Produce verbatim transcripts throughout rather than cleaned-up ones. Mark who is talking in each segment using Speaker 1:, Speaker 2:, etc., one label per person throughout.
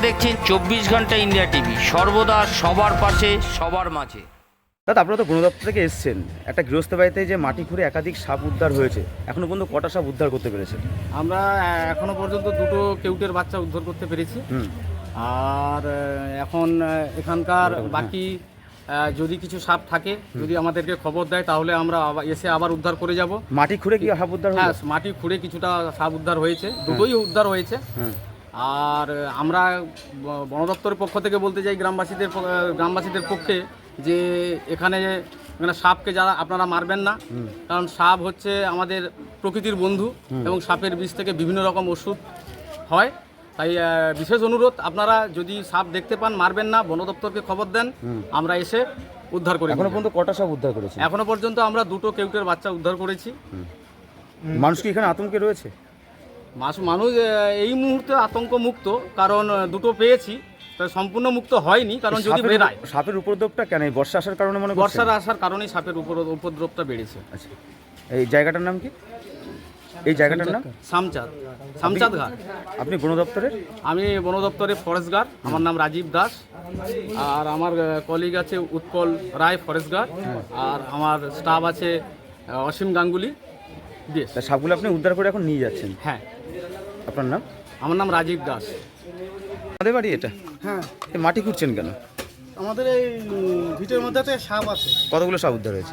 Speaker 1: দেখছেন চব্বিশ ঘন্টা ইন্ডিয়া টিভি, সর্বদা সবার পাশে সবার মাঝে।
Speaker 2: দাদা, আপনারা তো বন দপ্তর থেকে এসছেন, একটা গৃহস্থ বাড়িতে যে মাটি খুঁড়ে একাধিক সাপ উদ্ধার হয়েছে, এখনো পর্যন্ত কটা সাপ উদ্ধার করতে পেরেছেন?
Speaker 3: আমরা এখনো পর্যন্ত দুটো কেউটের বাচ্চা উদ্ধার করতে পেরেছি।
Speaker 2: হুম
Speaker 3: আর এখন এখানকার বাকি আহ, যদি কিছু সাপ থাকে, যদি আমাদেরকে খবর দেয় তাহলে আমরা আবার এসে আবার উদ্ধার করে যাব।
Speaker 2: মাটি খুঁড়ে কি সাপ উদ্ধার
Speaker 3: হ্যাঁ,
Speaker 2: হলো?
Speaker 3: মাটি খুঁড়ে কিছুটা সাপ উদ্ধার হয়েছে, দুটোই উদ্ধার হয়েছে।
Speaker 2: হ্যাঁ।
Speaker 3: আর আমরা ব- বন দপ্তরের পক্ষ থেকে বলতে চাই গ্রামবাসীদের প- গ্রামবাসীদের পক্ষে যে এখানে মানে সাপকে যারা আপনারা মারবেন না, কারণ সাপ হচ্ছে আমাদের প্রকৃতির বন্ধু এবং সাপের বিষ থেকে বিভিন্ন রকম ওষুধ হয়। তাই আহ, বিশেষ অনুরোধ, আপনারা যদি সাপ দেখতে পান মারবেন না, বন দপ্তরকে খবর দেন, আমরা এসে উদ্ধার করি।
Speaker 2: এখনো পর্যন্ত কটা সাপ উদ্ধার করেছে?
Speaker 3: এখনো পর্যন্ত আমরা দুটো কেউটের বাচ্চা উদ্ধার করেছি।
Speaker 2: মানুষ কি এখানে আতঙ্কে রয়েছে?
Speaker 3: মাস- মানুষ আহ, এই মুহূর্তে আতঙ্ক মুক্ত, কারণ আহ, দুটো পেয়েছি, তাই সম্পূর্ণ মুক্ত হয়নি, কারণ যদি
Speaker 2: সাপের-
Speaker 3: বেরায়
Speaker 2: সাপের উপদ্রবটা কেন? এই বর্ষা আসার কারণে মনে করছেন?
Speaker 3: বর্ষার আসার কারণেই সাপের উপর উপদ্রবটা বেড়েছে।
Speaker 2: আচ্ছা, এই জায়গাটার নাম কি? এই জায়গাটার নাম?
Speaker 3: সামচাঁদ সামচাঁদ ঘাট।
Speaker 2: আপনি বন দপ্তরের?
Speaker 3: আমি বন দপ্তরে ফরেস্ট গার্ড, আমার নাম রাজীব দাস। আর আমার কলিগ আছে উৎপল রায়, ফরেস্ট গার্ড। আর আমার স্টাফ আছে আহ, অসীম গাঙ্গুলি দেশ।
Speaker 2: তা সাপগুলো আপনি উদ্ধার করে এখন নিয়ে যাচ্ছেন?
Speaker 3: হ্যাঁ,
Speaker 2: আপনার নাম?
Speaker 3: আমার নাম রাজীব দাস।
Speaker 2: আমাদের বাড়ি এটা?
Speaker 4: হ্যাঁ,
Speaker 2: এই মাটি খুঁড়ছেন কেন?
Speaker 4: আমাদের এই উম, ভিটের মধ্যে একটা সাপ আছে,
Speaker 2: কতগুলো সাপ উদ্ধার হয়েছে?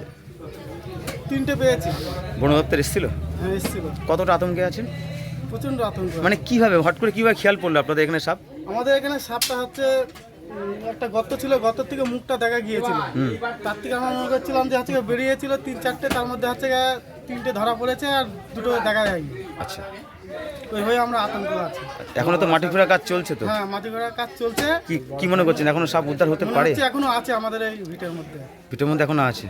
Speaker 4: তিনটে পেয়েছি।
Speaker 2: বন দপ্তর এসেছিল?
Speaker 4: হ্যাঁ, এসেছিল।
Speaker 2: কতটা আতঙ্কে আছেন?
Speaker 4: প্রচণ্ড আতঙ্ক।
Speaker 2: মানে কিভাবে, হট করে কিভাবে খেয়াল পড়লো আপনাদের এখানে সাপ?
Speaker 4: আমাদের এখানে সাপটা হচ্ছে উম, একটা গর্ত ছিল, গর্তের থেকে মুখটা দেখা গিয়েছিল। তার থেকে আমরা মনে করছিলাম যে হচ্ছে গিয়ে বেরিয়েছিল তিন চারটে, তার মধ্যে হচ্ছে গিয়ে তিনটে ধরা পড়েছে আর দুটো দেখা যায়নি।
Speaker 2: আচ্ছা,
Speaker 4: ওই হয়ে আমরা আতঙ্ক আছি।
Speaker 2: এখনো তো মাটি খোঁড়ার কাজ চলছে তো?
Speaker 4: হ্যাঁ, মাটি ঘোড়ার কাজ চলছে।
Speaker 2: কি কি মনে করছেন, এখনো সাপ উদ্ধার হতে
Speaker 4: মনে
Speaker 2: পারে?
Speaker 4: হচ্ছে এখনো আছে আমাদের এই ভিটের মধ্যে।
Speaker 2: ভিটের মধ্যে এখনো আছে?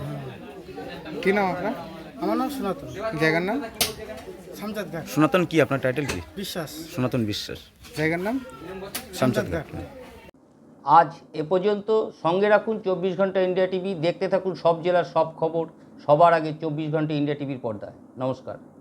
Speaker 4: কি নাম আপনার? আমার নাম সনাতন। জায়গার নাম সামচাঁদ ঘাট।
Speaker 2: সনাতন কি আপনার টাইটেল কি?
Speaker 4: বিশ্বাস।
Speaker 2: সনাতন বিশ্বাস।
Speaker 4: জায়গার নাম
Speaker 2: শামচাঁদ ঘাট।
Speaker 1: আজ এ পর্যন্ত। সঙ্গে রাখুন চব্বিশ ঘন্টা ইন্ডিয়া টিভি, দেখতে থাকুন সব জেলার সব খবর সবার আগে চব্বিশ ঘন্টা ইন্ডিয়া টিভির পর্দায়। নমস্কার।